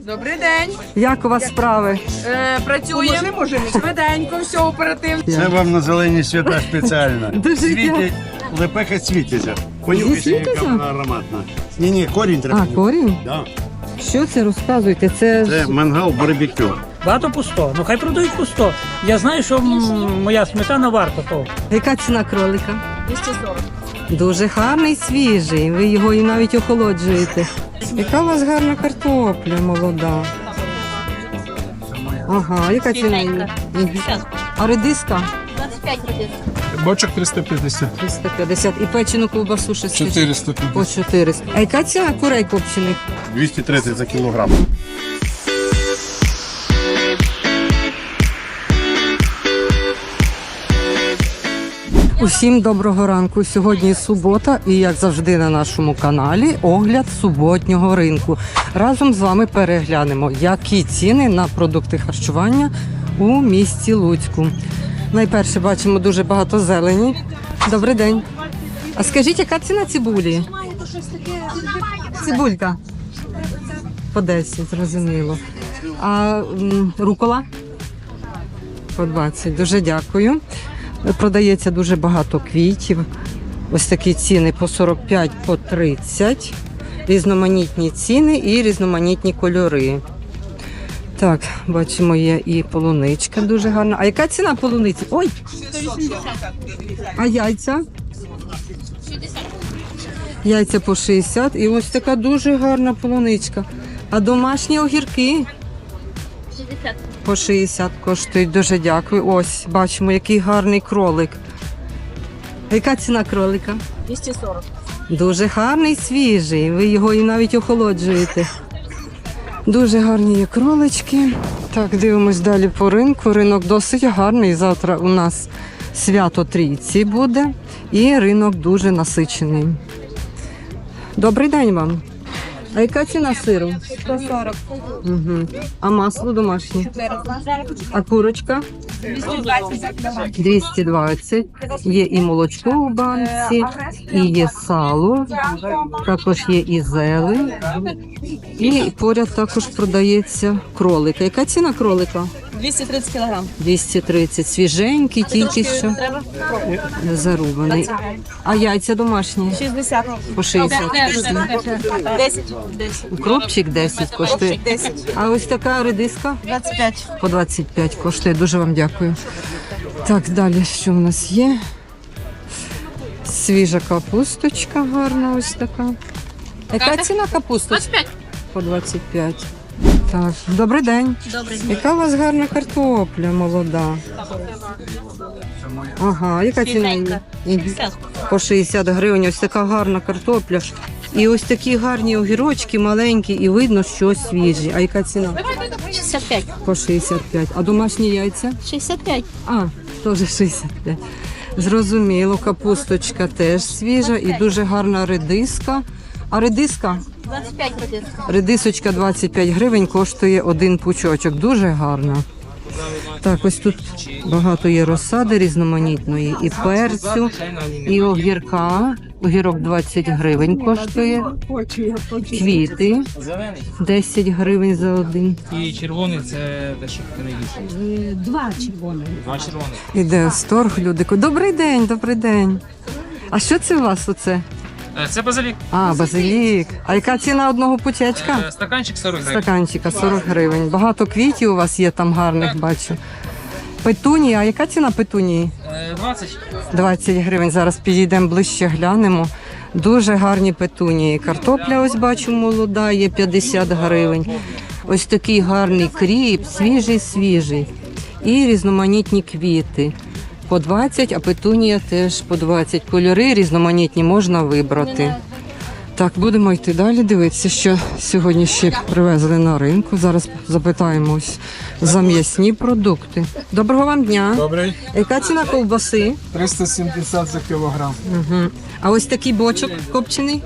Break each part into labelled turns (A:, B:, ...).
A: Добрий день.
B: Як у вас справи?
A: Працюємо швиденько, все оперативно.
C: Це вам на зелені свята спеціально.
B: Дуже
C: Світять, лепеха світиться. Понюхайте,
B: Світиться?
C: яка вона ароматна. Ні, корінь треба.
B: А, корінь?
C: Да.
B: Що це розказуєте?
C: Це мангал барбекю.
D: Багато по 100. Ну хай продають по 100. Я знаю, що моя сметана варта того.
B: Яка ціна кролика?
A: 240.
B: Дуже гарний, свіжий. Ви його і навіть охолоджуєте. Яка у вас гарна картопля молода. Ага, яка ціна? її? Мгм. А редиска?
A: 25 годин.
E: Бочок 350.
B: 350. І печену ковбасу ще скажіть?
E: 450.
B: По 400. А яка ціна курей копчених?
C: 230 за кілограм.
B: Усім доброго ранку. Сьогодні субота і, як завжди, на нашому каналі огляд суботнього ринку. Разом з вами переглянемо, які ціни на продукти харчування у місті Луцьку. Найперше бачимо дуже багато зелені. Добрий день. А скажіть, яка ціна цибулі? Цибулька. По 10, зрозуміло. А рукола? По 20. Дуже дякую. Продається дуже багато квітів. Ось такі ціни по 45, по 30. Різноманітні ціни і різноманітні кольори. Так, бачимо, є і полуничка дуже гарна. А яка ціна полуниці? Ой! А яйця? Яйця по 60. І ось така дуже гарна полуничка. А домашні огірки?
A: 60.
B: По 60 коштують. Дуже дякую. Ось, бачимо, який гарний кролик. Яка ціна кролика?
A: 240.
B: Дуже гарний, свіжий. Ви його і навіть охолоджуєте. Дуже гарні є кролички. Так, дивимось далі по ринку. Ринок досить гарний. Завтра у нас свято Трійці буде. І ринок дуже насичений. Добрий день вам. А яка ціна сиру?
A: 140.
B: Угу. А масло домашнє? А курочка? 220. Є і молочко у банці, і є сало, також є і зелень. І поряд також продається кролик. Яка ціна кролика?
A: 230 кг.
B: 230. Свіженький, тільки що зарубаний. А яйця домашні?
A: 60.
B: По 60.
A: 10.
B: Укропчик 10 коштує.
A: 10.
B: А ось така редиска?
A: 25.
B: По 25 коштує. Дуже вам дякую. Так, далі що в нас є? Свіжа капусточка гарна ось така. Яка ціна капусточки?
A: 25.
B: По 25. Так, добрий день.
A: Добрий.
B: Яка у вас гарна картопля молода? Ага, яка ціна? її? Мгм. По 60 гривень. Ось така гарна картопля. І ось такі гарні огірочки маленькі, і видно, що свіжі. А яка ціна?
A: 65.
B: По 65. А домашні яйця?
A: 65.
B: А, теж 65. Зрозуміло, капусточка теж свіжа і дуже гарна редиска. А редиска?
A: 25 годин.
B: Редисочка 25 гривень коштує один пучочок. Дуже гарна. Так, ось тут багато є розсади різноманітної. І перцю, і огірка. Огірок 20 гривень коштує. Квіти 10 гривень за один.
D: І червоний це дещо найбільше. Два червоних.
B: Іде сторг, люди. Добрий день, добрий день. А що це у вас оце?
D: Це базилік.
B: А, базилік. А яка ціна одного пучечка?
D: Стаканчик 40 гривень.
B: Стаканчика 40 гривень. Багато квітів у вас є там гарних, бачу. Петунія, а яка ціна петунії?
D: 20.
B: 20 гривень. Зараз підійдемо ближче, глянемо. Дуже гарні петунії. Картопля, ось бачу, молода, є 50 гривень. Ось такий гарний кріп, свіжий. І різноманітні квіти. По 20, а петунія теж по 20. Кольори різноманітні можна вибрати. Так, будемо йти далі, дивитися, що сьогодні ще привезли на ринку. Зараз запитаємо ось за м'ясні продукти. Доброго вам дня.
E: Добрий.
B: Яка ціна ковбаси?
E: 370 за кілограм.
B: Угу. А ось такий бочок копчений?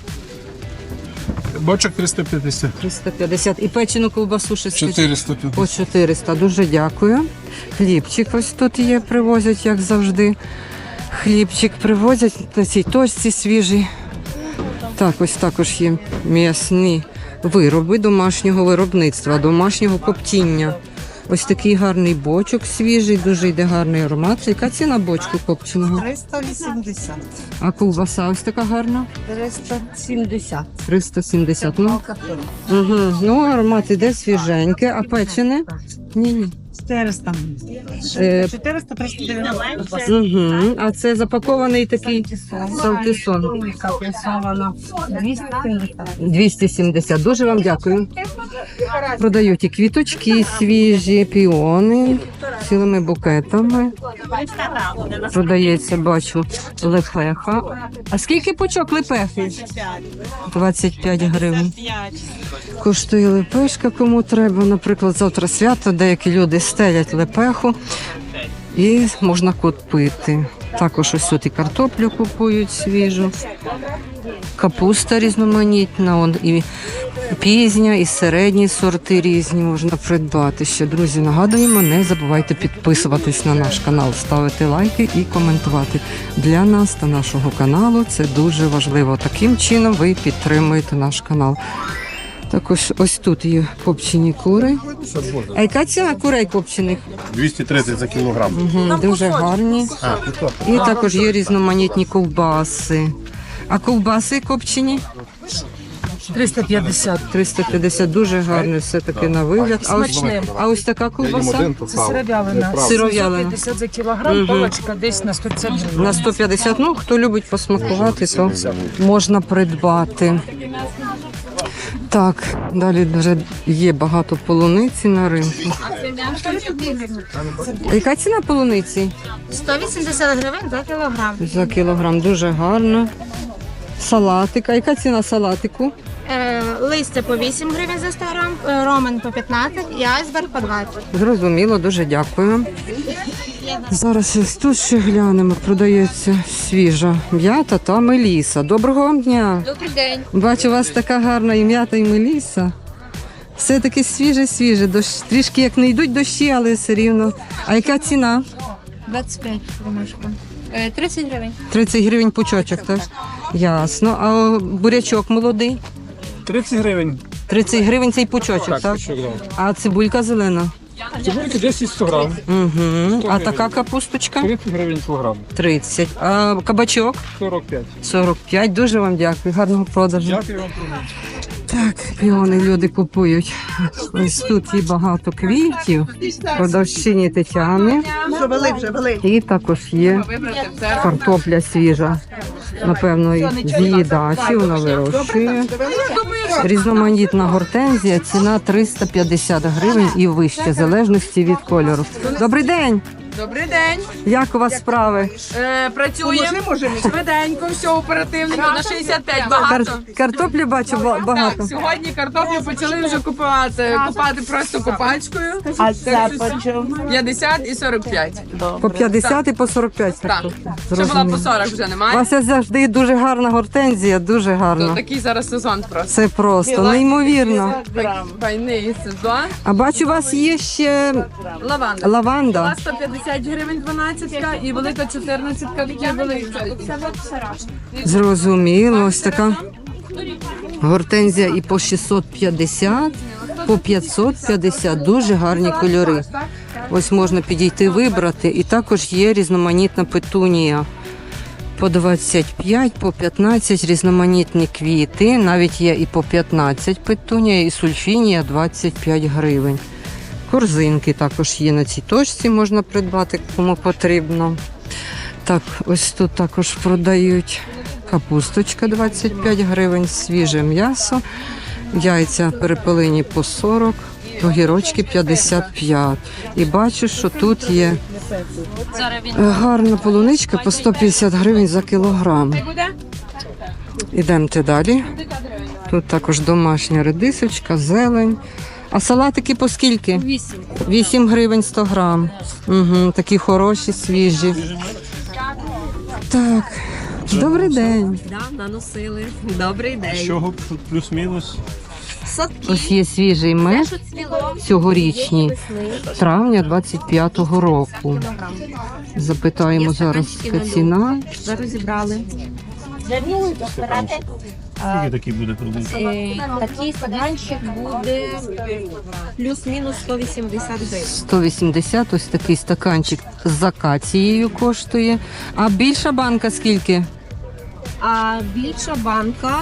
E: Бочок 350.
B: 350. І печену ковбасу ще скажіть?
E: 450.
B: По 400. Дуже дякую. Хлібчик ось тут є, привозять, як завжди. Хлібчик привозять на цій точці свіжий. Так, ось також є м'ясні вироби домашнього виробництва, домашнього коптіння. Ось такий гарний бочок свіжий, дуже йде гарний аромат. Яка ціна бочку копченого?
F: 380.
B: А ковбаса ось така гарна?
F: 370.
B: 370. Ну, ну аромат іде свіженький. А печене? Ні.
F: 400.
B: Е,
F: 400, 390.
B: Угу. А це запакований такий салтисон.
F: Капресована. 270.
B: 270. Дуже вам дякую. Продають і квіточки свіжі, піони цілими букетами. Продається, бачу, лепеха. А скільки пучок лепехи? 25 гривень. Коштує лепешка, кому треба. Наприклад, завтра свято, деякі люди стелять лепеху і можна купити. Також ось тут і картоплю купують свіжу, капуста різноманітна, і пізня, і середні сорти різні можна придбати. Ще, друзі, нагадуємо, не забувайте підписуватись на наш канал, ставити лайки і коментувати. Для нас та нашого каналу це дуже важливо. Таким чином ви підтримуєте наш канал. Також ось тут є копчені кури. А яка ціна курей копчених?
C: 230 за кілограм.
B: Дуже гарні. І також є різноманітні ковбаси. А ковбаси копчені?
F: 350.
B: 350, дуже гарно все-таки на вигляд. А ось така ковбаса?
F: Це сировялина.
B: Сировялина.
F: 150 за кілограм, палочка десь на 150 гривень.
B: На 150, ну, хто любить посмакувати, то можна придбати. Так, далі вже є багато полуниці на ринку. Яка ціна полуниці?
A: 180 гривень за кілограм.
B: За кілограм, дуже гарно. Салатик. А яка ціна салатику?
A: Листя по 8 гривень за 100 грам, ромен по 15 і айсберг по 20.
B: Зрозуміло, дуже дякую. Зараз ось тут ще глянемо. Продається свіжа м'ята та меліса. Доброго вам дня.
A: Добрий день.
B: Бачу, у вас така гарна і м'ята, і меліса. Все таке свіже. Трішки як не йдуть дощі, але все рівно. А яка ціна?
A: 25 ромашка. 30 гривень.
B: 30 гривень пучочок, так? Ясно. А бурячок молодий?
E: 30 гривень.
B: 30 гривень цей пучочок, так? А цибулька зелена?
E: Цибульки 10-100 грам.
B: Угу. А така капусточка?
E: 30 гривень кілограм.
B: 30. А кабачок?
E: 45.
B: 45. Дуже вам дякую. Гарного продажу.
E: Дякую вам.
B: Так, піони люди купують. Ось тут є багато квітів. Продавщині Тетяни. І також є картопля свіжа. Напевно, з її дачі вона вирощує. Різноманітна гортензія, ціна 350 гривень і вище, в залежності від кольору. Добрий день!
G: Добрий день.
B: Як у вас справи?
G: Працюємо швиденько, все оперативненько, на 65 багато.
B: Картоплі бачу багато.
G: Так, сьогодні картоплю почали вже купувати просто копачкою. А це 50 і 45.
B: По 50 і по 45.
G: Так, ще була по 40, вже
B: У
G: немає.
B: вас завжди дуже гарна гортензія, дуже
G: То
B: гарна.
G: такий зараз сезон просто.
B: Це просто неймовірно.
G: Файний сезон.
B: А бачу, у вас є ще
G: Лаванда.
B: лаванда.
G: Була 150 гривень 12-ка і велика 14-ка, такі велика.
B: Зрозуміло, ось така гортензія і по 650, по 550, дуже гарні кольори. Ось можна підійти вибрати. І також є різноманітна петунія. По 25, по 15 різноманітні квіти. Навіть є і по 15 петунія, і сульфінія 25 гривень. Корзинки також є на цій точці, можна придбати, кому потрібно. Так, ось тут також продають капусточка 25 гривень, свіже м'ясо, яйця перепелині по 40, огірочки 55. І бачу, що тут є гарна полуничка по 150 гривень за кілограм. Ідемте далі. Тут також домашня редисочка, зелень. А салатики по скільки?
A: 8.
B: 8 гривень 100 грам. Угу, такі хороші, свіжі. Так, добрий день.
F: Наносили. Добрий день.
E: Чого плюс-мінус?
B: Ось є свіжий мед, цьогорічний, травня 25-го року. Запитаємо зараз, яка ціна.
F: Зараз зібрали.
C: Скільки такий буде продукт?
H: Такий стаканчик буде плюс-мінус 180 гривень.
B: 180, ось такий стаканчик з акацією коштує. А більша банка скільки?
H: А більша банка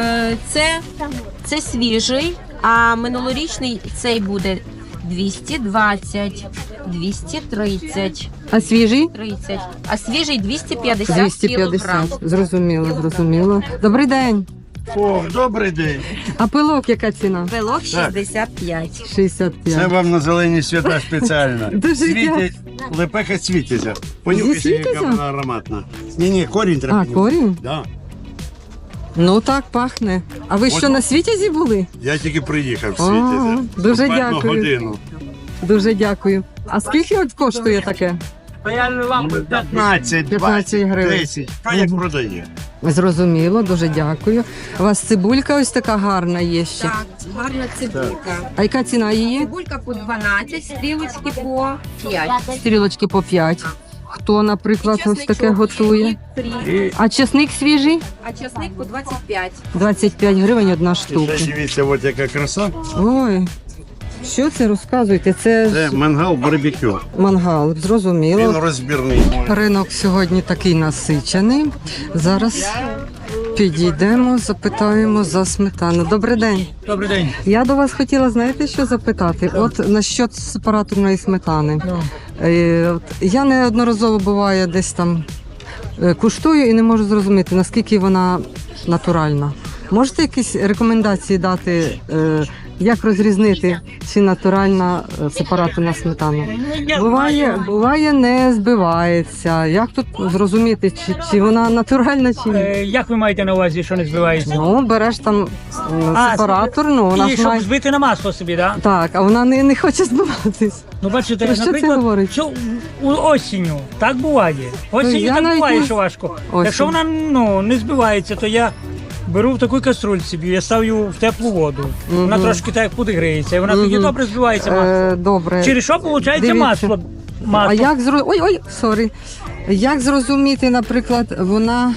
H: це свіжий, а минулорічний цей буде 220, 230,
B: А свіжий?
H: 30, а свіжий 250
B: 250.
H: кілограм.
B: Зрозуміло, зрозуміло. Добрий день.
I: О, добрий день.
B: А пилок яка ціна?
H: Пилок 65.
B: 65.
I: Це вам на зелені свята спеціально.
B: Дуже
I: Світять, лепеха світиться. Понюхайте,
B: світиться?
I: яка вона ароматна. Ні, корінь треба.
B: А, корінь?
I: Да.
B: Ну так, пахне. А ви що, на Світязі були?
I: Я тільки приїхав в
B: О,
I: світязі.
B: дуже
I: Буквально
B: дякую.
I: годину.
B: Дуже дякую. А скільки от коштує таке?
I: 15,
B: 15
I: 20,
B: гривень.
I: 10. Хто як продає?
B: Зрозуміло, дуже дякую. У вас цибулька ось така гарна є ще.
H: Так, гарна цибулька.
B: А яка ціна її?
H: Цибулька по 12, стрілочки по 5.
B: Стрілочки по 5. Хто, наприклад, ось таке
H: Чесничок
B: готує?
H: і 3.
B: А чесник свіжий?
H: А часник по 25.
B: 25 гривень одна
I: Ще
B: штука.
I: дивіться, от яка краса.
B: Ой, що це розказуєте? Це
I: Це
B: ж
I: мангал барбекю.
B: мангал,
I: Він
B: зрозуміло.
I: розбірний.
B: Ринок сьогодні такий насичений. Зараз підійдемо, запитаємо за сметану. Добрий день.
D: Добрий день.
B: Я до вас хотіла, знаєте, що запитати? От насчет сепараторної сметани. От я неодноразово буває десь там куштую і не можу зрозуміти, наскільки вона натуральна. Можете якісь рекомендації дати, як розрізнити, чи натуральна сепараторна сметана? Буває, не збивається. Як тут зрозуміти, чи вона натуральна, чи ні?
D: Як ви маєте на увазі, що не збивається?
B: Ну, береш там сепаратор, ну вона
D: І
B: ж
D: щоб
B: має...
D: збити на масло собі, так?
B: Так, а вона не хоче збиватись.
D: Ну, бачите,
B: Про що це
D: наприклад,
B: говорить?
D: що осінню так буває. Осінню
B: я
D: так
B: навіть
D: буває,
B: не-
D: що важко.
B: Осінь.
D: Якщо вона не збивається, то я беру в таку каструльці, я ставлю в теплу воду. Вона трошки так подігріється, і вона тоді добре збивається масло.
B: Добре.
D: Через що виходить
B: Дивіться.
D: масло?
B: А як Ой, як зрозуміти, наприклад, вона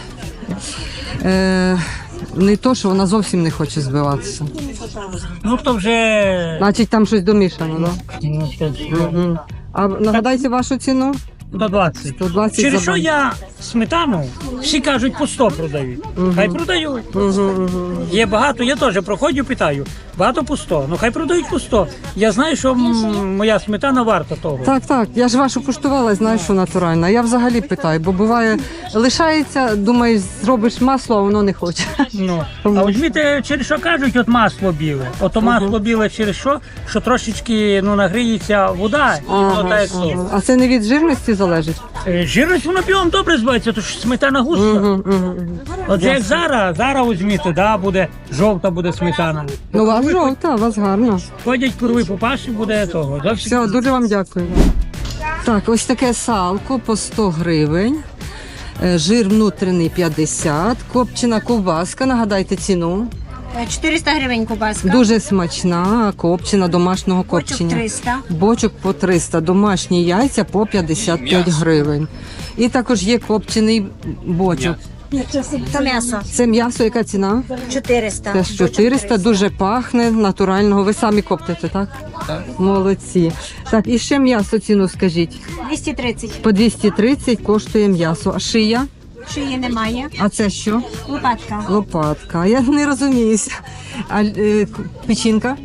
B: не то, що вона зовсім не хоче збиватися.
D: Ну, то вже...
B: Значить, там щось домішано, так?
D: Ну, то
B: Угу. А нагадайте вашу ціну?
D: до 20.
B: 120
D: Через
B: за
D: що
B: банку.
D: я сметану, всі кажуть, по 100 продають. Хай продають. Є багато, я теж проходжу, питаю. Багато по 100. Ну хай продають по 100. Я знаю, що моя сметана варта того.
B: Так, я ж вашу куштувала, знаю, що натуральна. Я взагалі питаю, бо буває, лишається, думаєш, зробиш масло, а воно не хоче.
D: Ну, а візьміте, через що кажуть, от масло біле. Ото масло біле через що трошечки нагріється вода, і воно так як то.
B: А це не від жирності залежить?
D: Жирність воно білом добре збивається, то ж сметана густа. От як зараз візьміте, буде жовта буде сметана.
B: Ну, у вас жовта, у вас гарна.
D: Ходять курви по паші, буде того.
B: Все, дуже вам дякую. Так, ось таке салко по 100 гривень. Жир внутрішній 50, копчена ковбаска, нагадайте ціну.
A: 400 гривень кубаска.
B: Дуже смачна, копчена, домашнього
A: Бочок
B: копчення.
A: 300.
B: Бочок по 300, домашні яйця по 55 гривень. І також є копчений бочок.
A: Це м'ясо.
B: Це м'ясо, яка ціна?
A: 400.
B: Це 400, дуже пахне, натурального. Ви самі коптите, так? Так. Молодці. Так, і ще м'ясо ціну скажіть.
A: 230.
B: По 230 коштує м'ясо. А шия?
A: Шиї немає.
B: А це що?
A: Лопатка.
B: Лопатка. Я не розуміюся. А печінка?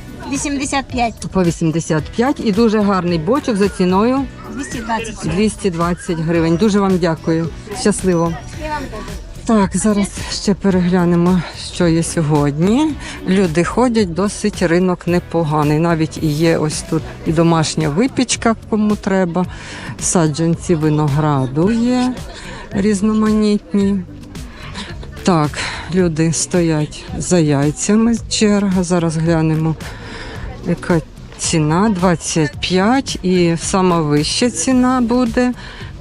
A: 85.
B: По 85. І дуже гарний бочок за ціною
A: 220.
B: 220 гривень. Дуже вам дякую. Щасливо. Так, зараз ще переглянемо, що є сьогодні. Люди ходять, досить ринок непоганий. Навіть і є ось тут і домашня випічка, кому треба. Саджанці винограду є різноманітні. Так, люди стоять за яйцями, черга. Зараз глянемо, яка ціна. 25 і сама вища ціна буде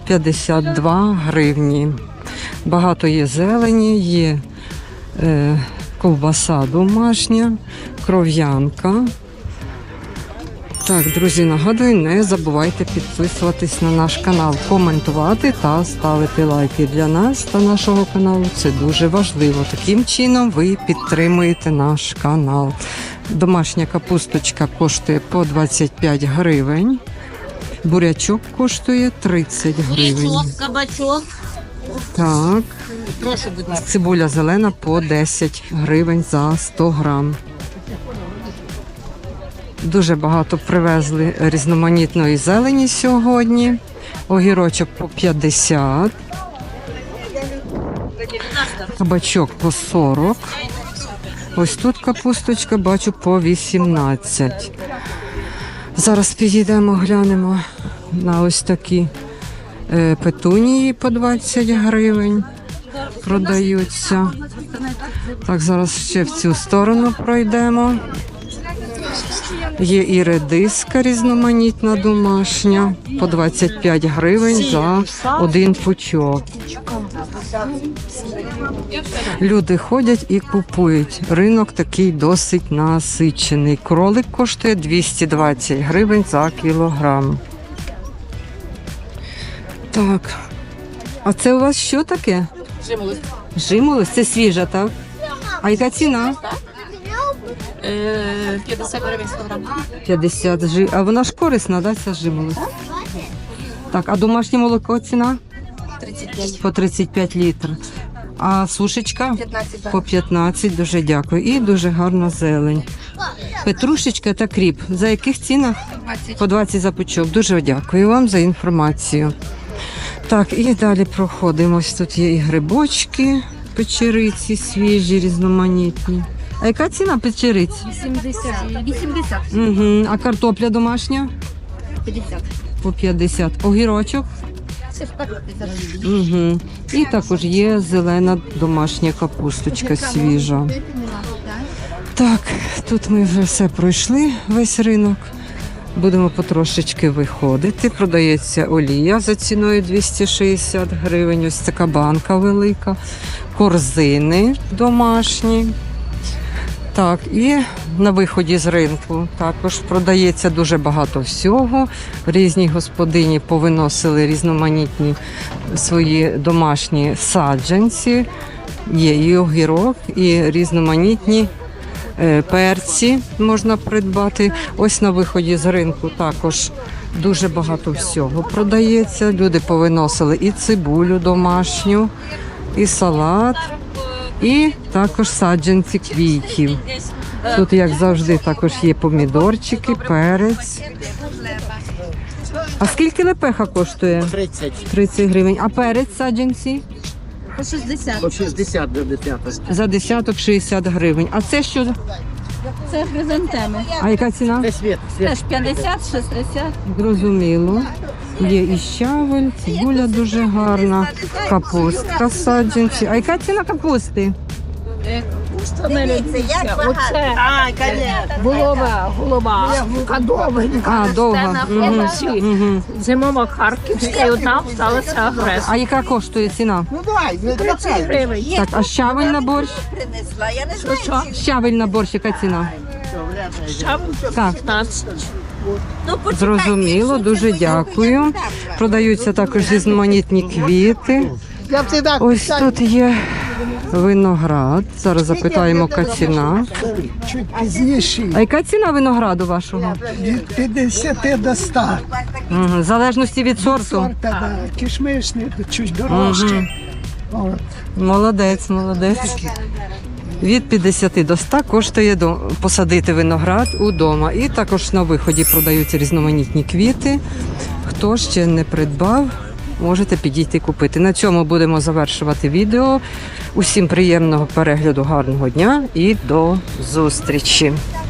B: 52 гривні. Багато є зелені, є ковбаса домашня, кров'янка. Так, друзі, нагадую, не забувайте підписуватись на наш канал, коментувати та ставити лайки. Для нас та нашого каналу це дуже важливо. Таким чином ви підтримуєте наш канал. Домашня капусточка коштує по 25 гривень. Бурячок коштує 30 гривень.
A: Кабачок.
B: Так. Цибуля зелена по 10 гривень за 100 грам. Дуже багато привезли різноманітної зелені сьогодні. Огірочок по 50. Кабачок по 40. Ось тут капусточка, бачу, по 18. Зараз підійдемо, глянемо на ось такі петунії по 20 гривень. Продаються. Так, зараз ще в цю сторону пройдемо. Є і редиска різноманітна домашня по 25 гривень за один пучок. Люди ходять і купують. Ринок такий досить насичений. Кролик коштує 220 гривень за кілограм. Так. А це у вас що таке?
G: Жимолость.
B: Жимолость? Це свіжа, так? А яка ціна?
G: 50 гривень 100 грам.
B: 50 жи. А вона ж корисна, да, ця жимолость? Так, а домашнє молоко ціна?
H: 35.
B: По 35 літрів. А сушечка?
H: 15.
B: По 15, дуже дякую. І дуже гарна зелень. Петрушечка та кріп. За яких цінах?
H: 20.
B: По 20 за пучок. Дуже дякую вам за інформацію. Так, і далі проходимо. Ось тут є і грибочки, печериці свіжі, різноманітні. А яка ціна печериць?
H: 80.
B: Угу. А картопля домашня?
H: 50.
B: По 50. Огірочок? Угу. І також є зелена домашня капусточка свіжа. Так, тут ми вже все пройшли, весь ринок. Будемо потрошечки виходити. Продається олія за ціною 260 гривень. Ось така банка велика. Корзини домашні. Так, і на виході з ринку також продається дуже багато всього. Різні господині повиносили різноманітні свої домашні саджанці. Є і огірок, і різноманітні перці можна придбати. Ось на виході з ринку також дуже багато всього продається. Люди повиносили і цибулю домашню, і салат, і також саджанці квітів. Тут, як завжди, також є помідорчики, перець. А скільки лепеха коштує?
J: 30.
B: 30 гривень. А перець саджанці?
H: По 60.
J: По 60 до 10.
B: За десяток 60 гривень. А це що?
H: Це хризантеми.
B: А яка ціна?
J: Це світ.
H: Теж 50, 60.
B: Зрозуміло. Є і щавель, цибуля дуже гарна, капустка саджанці. А яка ціна капусти?
F: Голова,
B: А, довго. Мгм. Мгм.
F: зимова харківська, і одна сталася агресія.
B: А яка коштує ціна?
F: 30 гривень.
B: Так, а щавель на борщ?
F: Що?
B: Щавель на борщ, яка ціна? Так,
F: 15.
B: зрозуміло, дуже дякую. Продаються також різноманітні квіти. Ось тут є виноград. Зараз запитаємо, яка ціна. А яка ціна винограду вашого?
K: Від 50 до 100.
B: В залежності від сорту.
K: Кишмишний, чуть дорожче.
B: Мгм. Молодець, молодець. Від 50 до 100 коштує посадити виноград удома. І також на виході продаються різноманітні квіти. Хто ще не придбав, можете підійти купити. На цьому будемо завершувати відео. Усім приємного перегляду, гарного дня і до зустрічі.